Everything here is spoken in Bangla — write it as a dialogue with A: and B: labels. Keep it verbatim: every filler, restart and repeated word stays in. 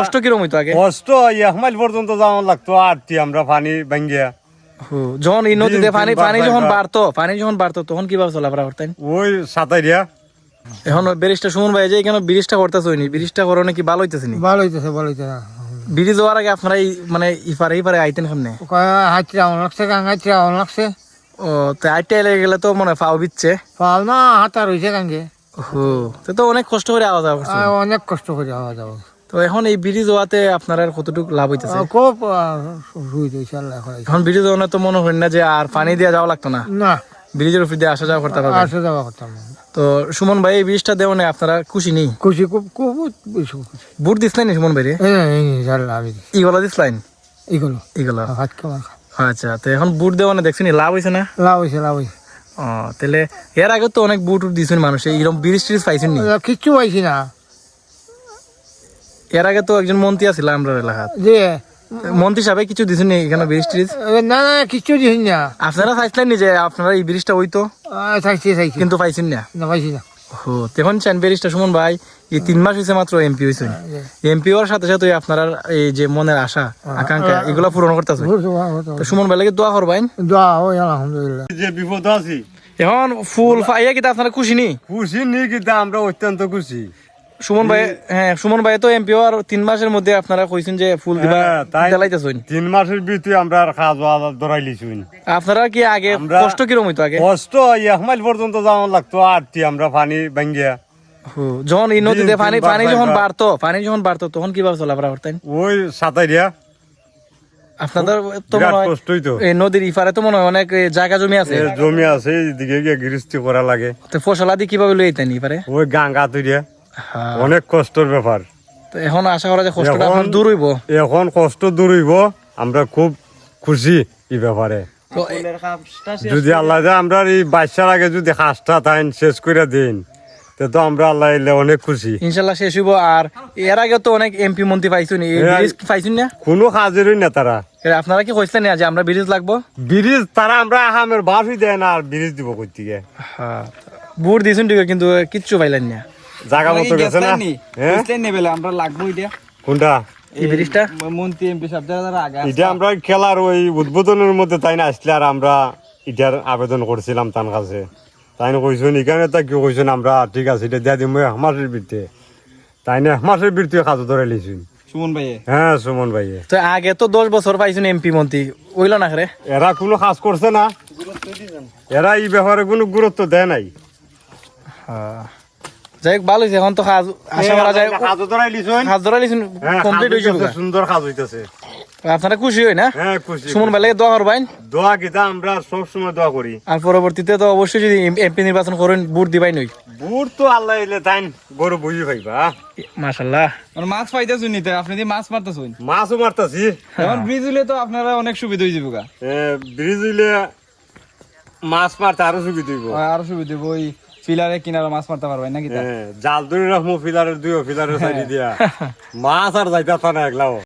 A: কষ্ট কিরকম হইতো আগে?
B: কষ্ট এক মাইল পর্যন্ত যাওয়া লাগতো আরটি আমরা পানি ভাঙ্গিয়া।
A: যখন এই নদীতে পানি পানি যখন বাড়তো পানি যখন বাড়তো তখন কিভাবে চলাফেরা করতেন?
B: ওই সাঁতারিয়া।
A: এখন ব্রিজটা সুমন ভাই যে এখানে ব্রিজটা করতেছে হয়নি, ব্রিজটা করো নাকি ভালো হইতেছে নি?
C: ভালো হইতেছে ভালো হইতেছে।
A: ব্রিজ হওয়ার আগে আপনারা এই মানে ইপারে ইপারে আইতেন কেমনে?
C: হাইটে আউন লাগছে গাঙ্গাইতে আউন লাগছে।
A: ও তো আইতে এলে গেলে তো মনে হয় পাও বিচ্ছে।
C: পাও না হাতা রয়েছে গাঙ্গে।
A: ও তো তো অনেক কষ্ট করে আওয়া যাওয়া করছে।
C: অনেক কষ্ট করে আওয়া যাওয়া।
A: তো এখন এই ব্রিজ হওয়াতে আপনার আর কতটুকু লাভ হইতেছে?
C: খুব হইতেছে আল্লাহ।
A: এখন ব্রিজ হওয়া তো মনে হয় না যে আর পানি দিয়ে যাওয়া লাগতো না,
C: না
A: ব্রিজের উপর দিয়ে আসা যাওয়া করতে পারবেন।
C: আসা যাওয়া করতাম।
A: তো সুমন ভাই এই ব্রিজটা দেওয়া নেই আপনারা খুশি নেই?
C: খুশি খুব খুব বেশি খুশি।
A: বুট দিসলেন সুমন ভাই রে?
C: আমি
A: ইগুলো দিসলেন?
C: এগুলো
A: এগুলো
C: হাত কেমন?
A: আচ্ছা, তো এখন বুট দেওয়া না দেখছেন লাভ হয়েছে না?
C: লাভ হয়েছে লাভ হয়েছে।
A: ও তাহলে এর আগে তো অনেক বুট দিয়েছেন মানুষ, এইরকম ব্রিজ ট্রিজ পাইছেন নি?
C: কিচ্ছু পাইছি না।
A: এর আগে তো একজন মন্ত্রী আছিল আমরা এলাকাত,
C: যে
A: মন্ত্রী সাহেব কিছু দিছেন নি এখানে ব্রিজ ট্রিজ?
C: না না কিচ্ছু দিছি না।
A: আপনারা চাইছিলেন নি যে আপনারা এই ব্রিজটা হইতো?
C: চাইছি চাইছি
A: কিন্তু পাইছেন না?
C: না পাইছি না।
A: ও তখন চান ব্রিজটা সুমন ভাই এই তিন মাস হয়েছে মাত্র এমপি হয়েছেন, এমপি হওয়ার সাথে সাথে আপনারা এই যে মনের আশা আকাঙ্ক্ষা এগুলা পূরণ করতেছে। তো সুমন ভাই লাগে দোয়া করবেন।
C: দোয়া হয় আলহামদুলিল্লাহ।
B: যে বিপদ আছে
A: এখন ফুল পাইয়া কিন্তু আপনারা খুশি নি?
B: খুশি নি কিন্তু আমরা অত্যন্ত খুশি।
A: সুমন ভাই, হ্যাঁ সুমন ভাই তো এমপি আর তিন মাসের মধ্যে আপনারা কইছেন যে ফুল দিবা জ্বালাইতেছেন।
B: তিন মাসের ভিতরে আমরা খাওয়া ধরাই লিছুন।
A: আপনারা কি আগে কষ্ট কিরকম হইতো আগে?
B: কষ্ট এক মাইল পর্যন্ত যাওয়া লাগতো আরটি আমরা পানি ভাঙ্গিয়া।
A: যখন এই নদীতে পানি পানি যখন বাড়তো পানি যখন বাড়তো তখন কিভাবে চলাফেরা করতেন?
B: ওই সাঁতারিয়া।
A: আপনাদের তো মনে হয়
B: কষ্টই তো
A: এই নদীর ইপারে তো মনে হয় অনেক জায়গা জমি আছে।
B: জমি আছে এইদিকে গিয়ে গৃহস্থী করা লাগে।
A: তো ফসল আদি কিভাবে লই আইতেন ইপারে?
B: ওই গাঙ্গা তৈরিয়া অনেক কষ্টের ব্যাপার।
A: তো এখন আশা করা যায় কষ্টটা আপনার দূর হইব।
B: এখন কষ্ট দূর হইব, আমরা খুব খুশি এই ব্যাপারে। যদি আল্লাহ আমরা এই বাচ্চার আগে যদি হাঁসটা তাইন শেষ করে দিন তো আমরা আল্লাহ এলে অনেক খুশি
A: ইনশাল্লাহ শেষ হইব। আর এর আগে তো অনেক এমপি মন্ত্রী পাইছুন, এই ব্রিজ পাইছুন না?
B: কোনো কাজেরই না তারা।
A: আপনারা কি কইছিলেন না যে আমরা ব্রিজ লাগবো?
B: ব্রিজ তারা আমরা আহামের বাসই দেয় না আর ব্রিজ দিব কই থেকে?
A: হ্যাঁ বুট দিয়েছেন ঠিক কিন্তু কিচ্ছু পাইলেন না।
B: জায়গা মতো গেছে না? হ্যাঁ
D: আমরা লাগবো এটা
B: কোনটা
A: এই ব্রিজটা?
D: মন্ত্রী এমপি সব যারা আগে
B: এটা আমরা খেলার ওই উদ্বোধনের মধ্যে তাই না আসলে আর আমরা এটার আবেদন করছিলাম তার কাছে। তাই না কইছেন এখানে তা কি কইছেন আমরা ঠিক আছে এটা দিয়া দিম এক মাসের ভিতরে। তাই না এক মাসের ভিতরে কাজ ধরে লিছুন
D: সুমন ভাই।
B: হ্যাঁ সুমন ভাই।
A: তো আগে তো দশ বছর পাইছেন এমপি মন্ত্রী, ওইল না রে?
B: এরা কোনো কাজ করছে না, এরা এই ব্যাপারে কোনো গুরুত্ব দেয় নাই।
A: যাই হোক ভালো হয়েছে, এখন তো কাজ আশা করা যায়
B: কাজ ধরাই লিছুন।
A: কাজ ধরা লিছুন কমপ্লিট হয়ে যাবে।
B: সুন্দর কাজ হইতেছে।
A: আপনারা খুশি হই না?
B: হ্যাঁ খুশি।
A: সুমন ভাই লাগে দোয়া করবেন।
B: দোয়া কিতা আমরা সব সময় দোয়া করি।
A: আর পরবর্তীতে তো অবশ্যই যদি এমপি নির্বাচন করেন বুট দিবাই নই।
B: বুট তো আল্লাহ এলে তাই গরু বুঝি পাইবা।
A: মাশাআল্লাহ
D: মাছ পাইতেছুন নিতে আপনি দিয়ে মাছ মারতেছুন।
B: মাছও মারতাছি।
D: এখন ব্রিজ হইলে তো আপনারা অনেক সুবিধা হয়ে যাবে।
B: ব্রিজ হইলে মাছ মারতে আরো সুবিধা হইব।
D: আরো সুবিধা হইব। ওই ফিলারে কিনারে মাছ মারতে পারবেন নাকি?
B: জাল ধরে রাখবো ফিলারের দুই ফিলারের সাইড দিয়া মাছ আর যাইতা না একলাও।